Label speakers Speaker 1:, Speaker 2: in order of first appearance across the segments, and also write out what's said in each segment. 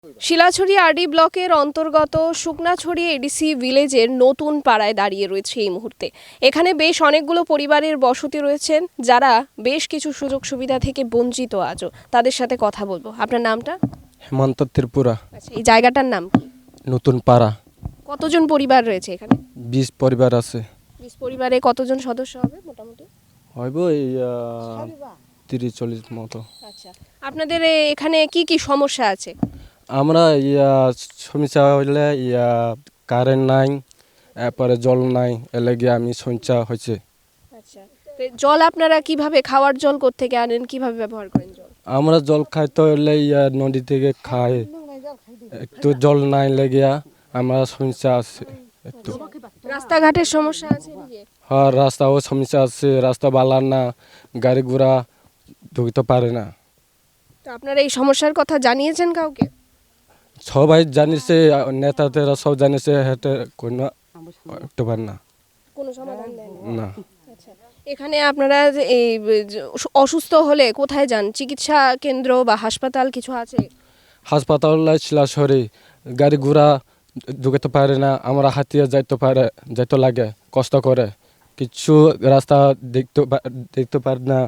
Speaker 1: Silachari RD ব্লকের অন্তর্গত Shuknachhari ADC ভিলেজের নতুন পাড়ায় দাঁড়িয়ে রয়েছে এই মুহূর্তে। এখানে বেশ অনেকগুলো পরিবারের বসতি রয়েছেন, যারা বেশ কিছু সুযোগ সুবিধা থেকে বঞ্চিত আজও। তাদের সাথে কথা বলবো। আপনার নামটা?
Speaker 2: হেমন্ত ত্রিপুরা।
Speaker 1: আচ্ছা, এই জায়গাটার নাম কি?
Speaker 2: নতুন পাড়া।
Speaker 1: কতজন পরিবার রয়েছে এখানে?
Speaker 2: 20 পরিবার আছে।
Speaker 1: 20 পরিবারে কতজন সদস্য হবে মোটামুটি?
Speaker 2: হইব এই 30-40 মতো।
Speaker 1: আচ্ছা, আপনাদের এখানে কি কি সমস্যা আছে?
Speaker 2: আমরা সমস্যা হইলে কারেন্ট নাই, এরপরে জল নাই, এলাকি আমি সমস্যা হয়েছে।
Speaker 1: আচ্ছা, তো জল আপনারা কিভাবে, খাওয়ার জল কোত্থেকে আনেন, কিভাবে ব্যবহার করেন জল?
Speaker 2: আমরা জল খাইতে হইলে নদী থেকে খাই, একটু জল নাই লেগিয়া আমরা সমস্যা আছে একটু।
Speaker 1: রাস্তাঘাটের সমস্যা আছে এদিকে?
Speaker 2: হ্যাঁ, রাস্তাও সমস্যা আছে, রাস্তা ভালো না, গাড়ি ঘোড়া ঢুকতে পারে না।
Speaker 1: তো আপনারা এই সমস্যার কথা জানিয়েছেন কাউকে?
Speaker 2: সবাই জানিছে, নেতাদেরা সব জানিছে, হেঁটে কোনো একটু পারে না।
Speaker 1: কোনো সমাধান দেন
Speaker 2: না।
Speaker 1: আচ্ছা, এখানে আপনারা যে এই অসুস্থ হলে কোথায় যান? চিকিৎসা কেন্দ্র বা হাসপাতাল কিছু আছে?
Speaker 2: হাসপাতাল শিলাছড়ি, গাড়ি ঘোড়া ঢুকতে পারে না, আমরা হাতিয়ে যাইতে লাগে, কষ্ট করে, কিছু রাস্তা দেখতে পারে না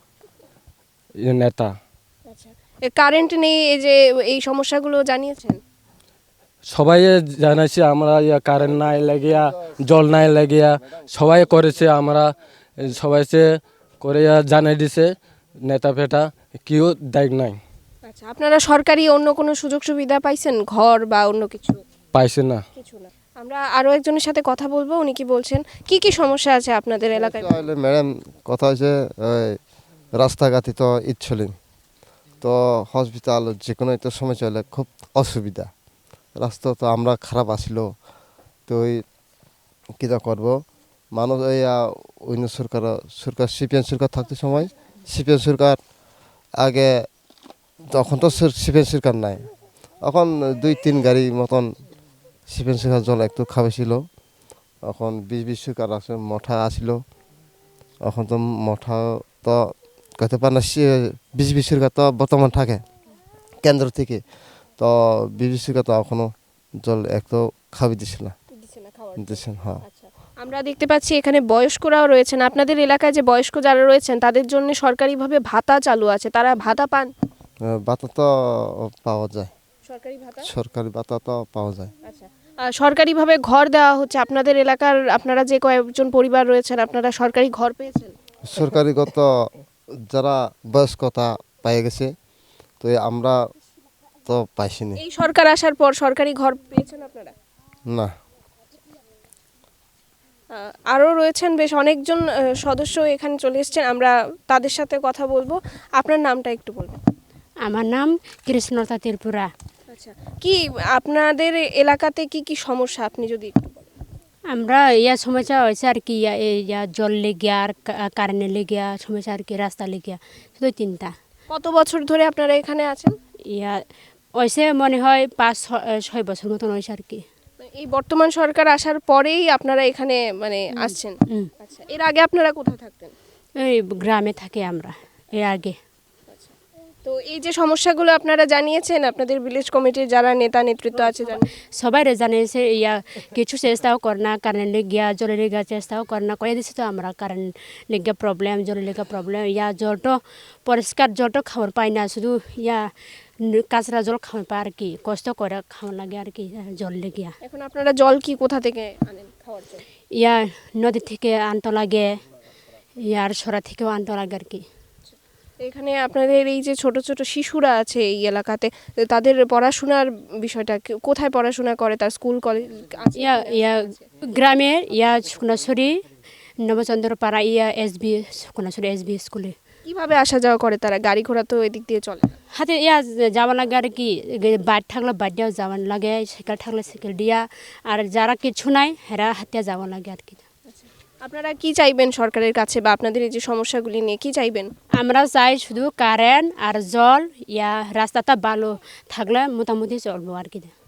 Speaker 2: নেতা।
Speaker 1: আচ্ছা, কারেন্ট নেই, এই যে এই সমস্যাগুলো জানিয়েছেন?
Speaker 2: সবাই জানাইছে, আমরা কারেন্ট নাই লাগিয়া, জল নাই লাগিয়া সবাই করেছে, আমরা সবাই করে জানাই দিছে, নেতা ফেটা কেউ দেখ নাই।
Speaker 1: আচ্ছা, আপনারা সরকারি অন্য কোনো সুযোগ সুবিধা পাইছেন, ঘর বা অন্য কিছু?
Speaker 2: পাইছে না।
Speaker 1: কিছু না। আমরা আরো একজনের সাথে কথা বলবো, উনি কি বলছেন, কি কি সমস্যা আছে আপনাদের এলাকায়?
Speaker 3: ম্যাডাম, কথা হয়েছে রাস্তাঘাটে তো ইচ্ছলিন, তো হসপিটাল যে কোনো একটা সময় চলে খুব অসুবিধা। রাস্তা তো আমরা খারাপ আসিল, তো ওই কীটা করবো মানুষ, এই অন্য সরকার সিপিএম সরকার থাকতে সময়, সিপিএম সরকার আগে, তখন তো সিপিএম সরকার নাই, এখন 2-3 গাড়ি মতন সিপিএম সরকার জল একটু খাবেছিল। এখন 20 সরকার আছে, মঠা আসিল, এখন তো মঠা তো কইতে পারে না, 20 সরকার তো বর্তমান থাকে কেন্দ্র থেকে, তো 20 সরকার তো এখনো জল একটু খাবি দিছে না, দিচ্ছেন। হ্যাঁ,
Speaker 1: আচ্ছা, আমরা দেখতে পাচ্ছি এখানে বয়স্করাও রয়েছেন। আপনাদের এলাকায় যে বয়স্ক যারা রয়েছেন তাদের জন্য সরকারিভাবে ভাতা চালু আছে, তারা ভাতা পান?
Speaker 3: ভাতা তো পাওয়া যায়,
Speaker 1: সরকারি ভাতা?
Speaker 3: সরকারি ভাতা তো পাওয়া যায়।
Speaker 1: আচ্ছা, সরকারিভাবে ঘর দেওয়া হচ্ছে আপনাদের এলাকার? আপনারা যে কয়েকজন পরিবার রয়েছেন, আপনারা সরকারি ঘর পেয়েছেন?
Speaker 3: সরকারিগত যারা বয়স্কতা পেয়ে গেছে, তো আমরা তো পাইছিনি।
Speaker 1: এই সরকার আসার পর সরকারি ঘর পেয়েছেন আপনারা?
Speaker 3: না।
Speaker 1: আরও রয়েছেন বেশ অনেকজন সদস্য এখানে চলে এসেছেন, আমরা তাদের সাথে কথা বলবো। আপনার নামটা একটু বলবেন?
Speaker 4: আমার নাম কৃষ্ণতা ত্রিপুরা।
Speaker 1: আচ্ছা, কি আপনাদের এলাকাতে কি কি সমস্যা আপনি যদি একটু বলেন?
Speaker 4: আমরা সমস্যা হয়েছে আর কি, জল লেগিয়া আর কারেন্টের লেগিয়া সমস্যা আর কি, রাস্তা লেগিয়া, শুধু 3টা।
Speaker 1: কত বছর ধরে আপনারা এখানে আছেন?
Speaker 4: হয়েছে মনে হয় 5-6 বছর মতন হয়েছে আর কি।
Speaker 1: এই বর্তমান সরকার আসার পরেই আপনারা এখানে মানে আসছেন? আচ্ছা, এর আগে আপনারা কোথায় থাকতেন?
Speaker 4: এই গ্রামে থাকি আমরা এর আগে।
Speaker 1: তো এই যে সমস্যাগুলো আপনারা জানিয়েছেন, আপনাদের ভিলেজ কমিটির যারা নেতা নেতৃত্ব আছে
Speaker 4: সবাই জানিয়েছে, কিছু চেষ্টাও করে না, কারেন্ট লেগিয়া জলের লেগিয়া চেষ্টাও করে না, করে দিচ্ছে তো আমরা কারেন্ট লেগিয়া প্রবলেম, জলের লেগা প্রবলেম, জলটা পরিষ্কার জলটা খাবার পাই না, শুধু কাঁচরা জল খাওয়া পায় আর কি, কষ্ট করে খাওয়া লাগে আর কি জল লেগিয়া।
Speaker 1: এখন আপনারা জল কি কোথা থেকে আনেন খাওয়ার জল?
Speaker 4: নদী থেকে আনতে লাগে, আর সরা থেকেও আনতে লাগে আর কি।
Speaker 1: এখানে আপনাদের এই যে ছোট ছোট শিশুরা আছে এই এলাকাতে, তাদের পড়াশোনার বিষয়টা কোথায় পড়াশোনা করে? তার স্কুল কলেজ
Speaker 4: গ্রামের শুকনাছড়ি নবচন্দ্রপাড়া SB শুকনাছড়ি SB স্কুলে।
Speaker 1: কিভাবে আসা যাওয়া করে তারা? গাড়ি ঘোড়া তো এদিক দিয়ে চলে না।
Speaker 4: হাতে যাওয়া লাগে আর কি, বাইক থাকলে বাইক দিয়েও যাওয়া লাগে, সাইকেল থাকলে সাইকেল দিয়া, আর যারা কিছু নাই হেরা হাতে যাওয়া লাগে আর কি।
Speaker 1: আপনারা কি চাইবেন সরকারের কাছে, বা আপনাদের এই যে সমস্যাগুলি নিয়ে কি চাইবেন?
Speaker 4: আমরা চাই শুধু কারেন্ট আর জল, রাস্তাটা ভালো থাকলে মোটামুটি চলবো আর কি।